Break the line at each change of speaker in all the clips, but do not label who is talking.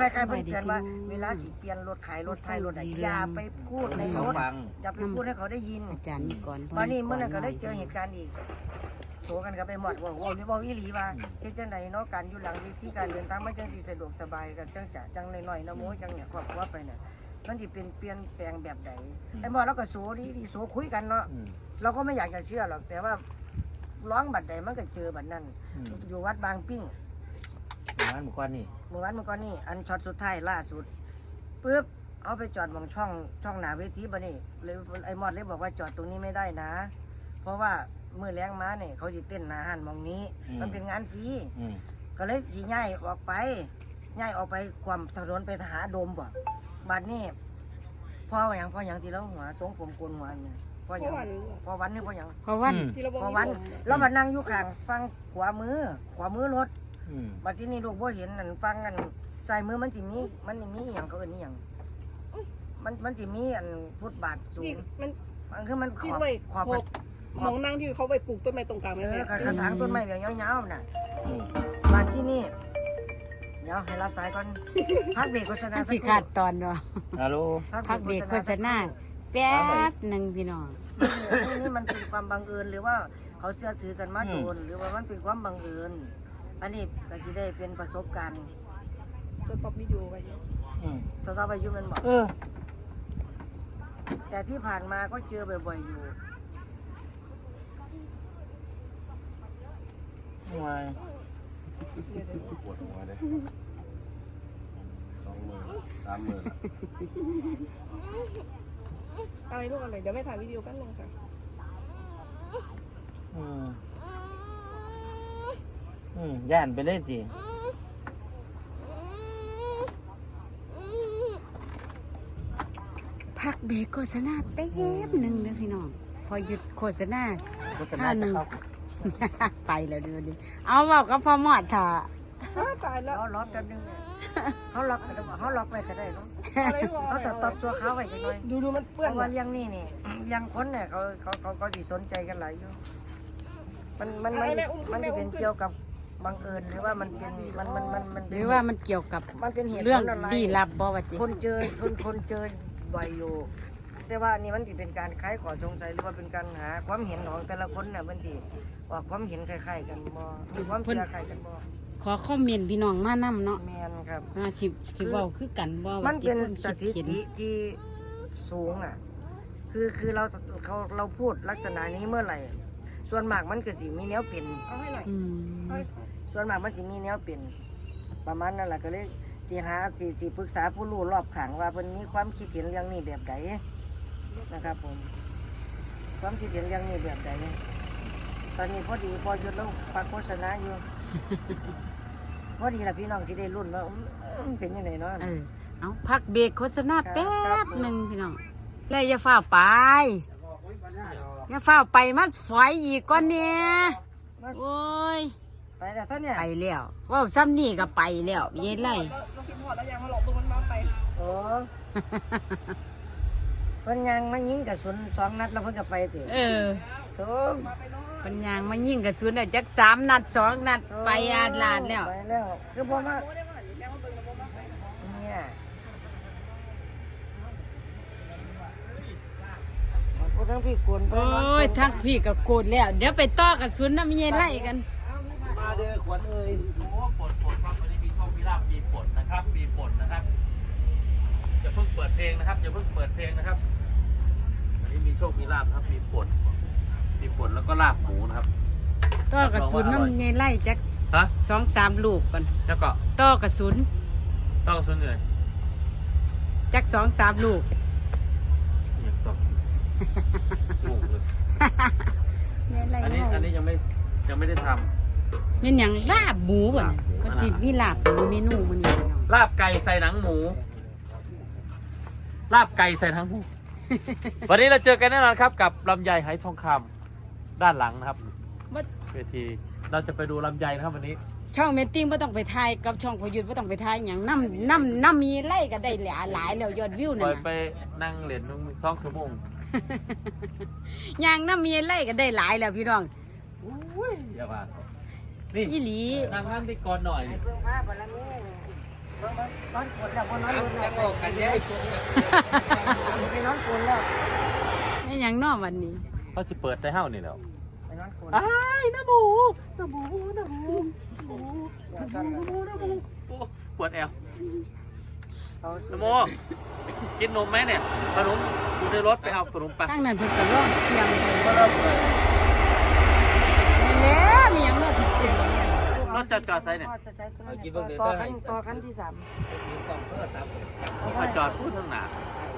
ล้ายๆเพิ่นเตือนว่าเวลาสิเปลี่ยนรถขายรถไทยรถไหนอย่าไปพูดในรถอย่าไปพูดให้เขาได้ยิน
อาจารย์นี่ก่อน
วันนี้เมื่อนั้นก็ได้เจอเหตุการณ์อีกโถกันกับไปหมดว่านี่บอกอีหลีว่าเฮ็ดจังไดเนาะการอยู่หลังเวทีการเดินทางมันจังสิสะดวกสบายกันจังน้อยๆนะโมจังเนี่ยครอบครัวไปเนี่ยมันสิเป็นเปลี่ยนแปลงแบบใดไอ้หมอเราก็โสดีโสคุยกันเนาะเราก็ไม่อยากจะเชื่อหรอกแต่ว่าร้องบัดใดมันก็เจอบัดนั้นอยู่วัดบางปิ้ง
เมื่อวานเมื่อก่อน
นี่อันช็อตสุดท้ายล่าสุดปึ๊บเอาไปจอดมองช่องหน้าเวทีบ่นี่เลยไอ้มอดเลยบอกว่าจอดตรงนี้ไม่ได้นะเพราะว่ามือแรงม้าเนี่ยเขาสิเต้นหน้าหันมองนี้มันเป็นงานฟรีก็เลยสิย้ายออกไปความถนนไปหาโดมบ่บัดนี้พ่ออย่างที่เราหัวทรงผมโกนหัวเนี่ยพ่อวันนี่พ่อวันเรามานั่งอยู่ข้างฟังขวามือรถบัดที่นี่ลูกบ่เห็นนั่นฟังกันใส่มือมันสิมีอย่างเขาเอิ้นนี่อย่างมันสิมีอันฟุตบาทสูงมันคือมันขอบ
มองนั่งที่เขาไปปลูกต้นไม้ตรงกลางไหม
กระถางต้นไม้แบบยาวๆน่ะบัดที่นี่เดี๋ยวให้รับสายก่อนพักเบรกโฆษณา
สิขาดตอนเนาะ
ฮัลโหล
พักเบรกโฆษณาแป๊บนึงพี่น้อง
นี่มันเป็นความบังเอิญหรือว่าเขาเชื่อถือกันมาโดนหรือว่ามันเป็นความบังเอิญอันนี้ก็จะได้เป็นประสบการณ์
จะตอบวิดีโอไป
จะต้องไปยุ่งมันบอกแต่ที่ผ่านมาก็เจอบ่อยๆอยู่
ทำไม
ปวดหัวเลย2 มือ 3 มือ
อะไรลูกอะไรเดี๋ยวไม่ถ่ายวิดีโอแป๊บนึงค่ะ
ย่านไปเลยสิ
พักเบรกโฆษณาแป๊บนึงนะพี่น้องพอหยุดโฆษณาข้าวหนึ่งไปแล้วดูดิเอาบอกกับพ่อหมอดถ่า
ตายแล้ว
ล็อกกันนึงเขาล็อกไปก็ได้เนาะเขาสต็อปตัวเขาไว้จังเลย
ดูมันเปื้อน
ว่าเลี้ยงนี่ยังคนเนี่ยเขาสิสนใจกันหลายอยู่มันจะเป็นเกี่ยวกับบังเอิญหรือว่ามันเป็น
หรือว่ามันเกี่ยวกับเรื่องลี้ลับบ่ว่าจิ
คนเจอบ่อยอยู่แต่ว่านี่มันจะเป็นการคล้ายขอสงสัยหรือว่าเป็นการหาความเห็นของแต่ละคนน่ะบางทีว่าความเห็นคล้ายๆกันบ่หรือความเชื่อคล้ายกันบ่
ขอคอมเมนต์พี่น้องมานํเนาะ
แม่นครับ
สิเว้าคือกันบ่
มันเป็นสถิติที่สูงอ่ะคือเราพูดลักษณะนี้เมื่อไหร่ส่วนมากมันก็สิมีแนวเป็นส่วนมากมันสิมีแนวเป็นประมาณนั้นแหละก็เลยสิปรึกษาผู้รู้รอบข้างว่าเพิ่นมีความคิดเห็นเรื่องนี้แบบใดนะครับผมความคิดเห็นเรื่องนี้แบบใดตอนนี้พอหยุดแล้วฟังโฆษณาอยู่พอดีล่ะพี่น้องสิได้รุ่นว่าเป็นยังไงเนาะ
เอาพักเบรกโฆษณาแป๊บนึงพี่น้องแล้วอย่าฟ้าวไปมันฝอยอีกก่อนเนี่ยโอ้ย
ไปแล้วท่านเนี่ย
ไปแล้วว่าซ้ำนี่ก็ไปแล้วเย็นไร
เราคิดหอดแล้วยังมาหลอกตัวมันมาไป
โอ้เพิ่นยังมายิงกระสุน2 นัดแล้วเพิ่นก็ไปติโธ่
เพิ่นยังมายิงกระสุนได้จัก3 นัด 2 นัดไปอาดลาดแล้ว
ไปแล้วคือบ่มาเนี่ยทั้งพี่โกน
โอ้ยทั้งพี่ก็โกนแล้วเดี๋ยวไปต่อกระสุนน้ำเย็นไล่กัน
มาเด้อขวัญเอ้ย
โอ้ปลดครับวันนี้มีโชคมีลาภมีปลดนะครับอย่าเพิ่งเปิดเพลงนะครับวันนี้มีโชคมีลาภครับมีปลดแล้วก็ลาบหมูนะครับ
ต่อกระสุนน้ำเย็นไล่จัก2-3 ลูกก่อน
แล้วก็
ต่อกระสุน
เลย
จัก2-3 ลูก
ลูกเลยอันนี้ยังไม่ได้ทำ
เป็นอย่างลาบหมูบ่เนี่ยก็สิมีลาบหมูเมนูมื้อนี้
ลาบไก่ใส่หนังหมูวันนี้เราเจอกันแน่นอนครับกับลำไยไหทองคำด้านหลังนะครับเวทีเราจะไปดูลำไยนะครับวันนี้
ช่องเมตติ้งไม่ต้องไปถ่ายกับช่องพยุทธ์ไม่ต้องไปถ่ายอย่างน้ำมีไล่ก็ได้หลายแล้วยอดวิวนั่น
ไปนั่งเหรียญ2 ชั่วโมง
อย่างน้ำมีไล่ก็ได้หลายแล้วพี่น้อง
อย่าว่านี่
อีหลี
นั่งที่ก่อนหน่อย
เพิ่งพาบารมีนอนกดแล้วนอนรถแล้ว
กันได้พวกนี้
ไปนอนกดแล้ว
ไม่หยังนอกวันนี้
เขาสิเปิดใส่เฮ้านี่แล้ว
ไปนอนกด
อ้ายน้ำหมูโอ้ปวดแอว
เอา
น้ำหมูกินนมไหมเนี่ยขนมอยู่ในรถไปเอาขนมไป
ตั้งนั้นเพิ่นก็ร้องเสียงนี่แหละมีหยังน่าสิกิน
รถจอดใส่เนี่ย
ต่อคันที่ 3
มาจอดพูดทางหนา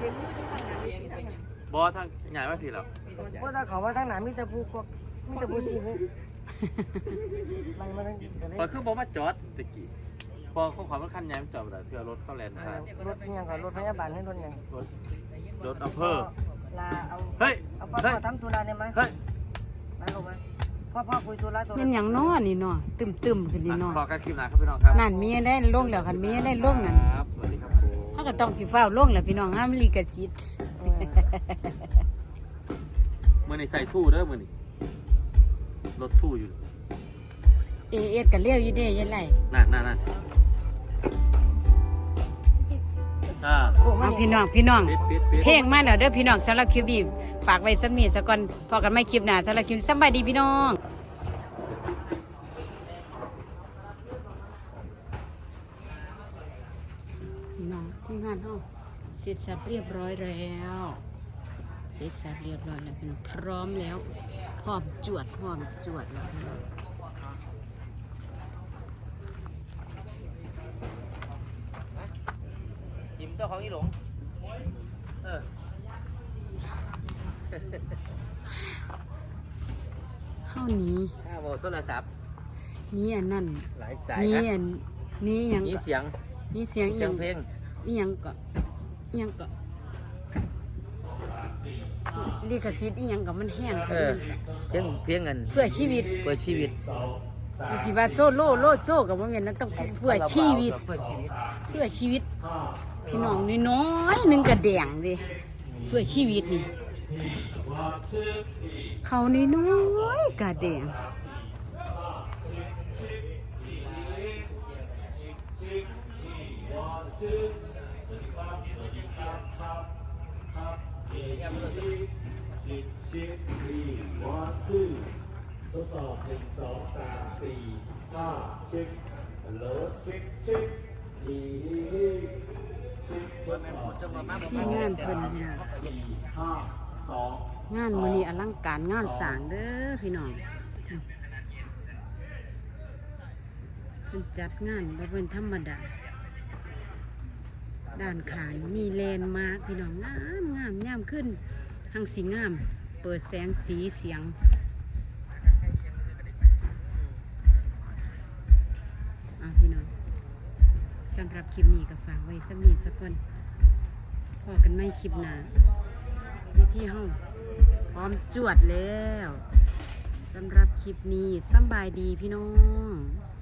บอทางใหญ่ไม่ผิดหรอก
เพราะถ้าเขาว่าทางหนามีแต่ผู้พวกมีแต่ผู้ซีผู้มันมัน
พอคือบอกมาจอดตะกี้พอเขาขอมันคันใหญ่มันจอดไปเพื่อรถเข้าแลนด์ครับ
รถยังกับรถพยาบาลให้รถยัง
รถอำเภอ
ลาเอา
เฮ้ย
เอาพ่อทำธุระได้ไหม
เฮ้ย
มาลงมาพ่อคุยธุระตัว
แม่นหยังน้อนี่น้อตึมๆขึ้นนี่น้อ
พอกันคลิปหนาครับพี่น้องครับ
นั่นมีได้ลงแล้วคันมีได้ลงนั่น
ครับสวัสดีครับผม
เฮาก็ต้องสิฟ้าวลงแล้วพี่น้องห้ามลิขสิทธิ์
มื่อในใส่ทู่เด้อมื่อนี้รถทู่อยู่
เอสก็เลี้ยวอยู่เด้ยันไล่
นั่น
เอาพี่น้อง
ปิด
เพลงมาแล้วเด้อพี่น้องสำหรับคลิปนี้ฝากไว้สำนีซะก่อนพอกันไม่คลิปหน้าสำหรับคลิปสำบายดีพี่น้องพี่น้องที่งานเฮาเสร็จสับเรียบร้อยแล้วเสร็จสับเรียบร้อยแล้วพี่น้องพร้อมแล้วพร้อมจวดแล้วพี่น้อง
ยิ้มเจ้าของอีหลงเออ
เฮาหนี้
ข้าวโทรศัพท์
นี้อันนั้น
หลายสาย
นี้
นะ
อันนี้หยัง
มี
ก็
เสียง
นี้เสียง
เสียงเพลง
อีหยังก็อีหยังก็ลิขสิทธิ์อีหยังก็มันแห้ง
เออเพลงเงิน
เพื่อชีวิต
เพื่อชีวิต
สิว่าโซโล่โลดโซ่ก็บ่แม่นนะต้องเพื่อชีวิต
เพื่อชีวิต
เพื่อชีวิต พี่น้องน้อยๆหนึงก็แดงดิเพื่อชีวิตนี่เขาน้อยๆก็แดงที่งานเพิ่นพี่น้องงานมื้อนี้อลังการงานสร้างเด้อพี่น้องเพิ่นจัดงานบ่เป็นธรรมดาด้านข้างมีแลนด์มาร์คพี่น้องงามยามขึ้นทางสีงามเปิดแสงสีเสียงพี่น้องสำหรับคลิปนี้ก็ฝากไว้สมีสักก่อนพอกันไม่คลิปหน้าในที่ห้องพร้อมจวดแล้วสำหรับคลิปนี้สำบายดีพี่น้อง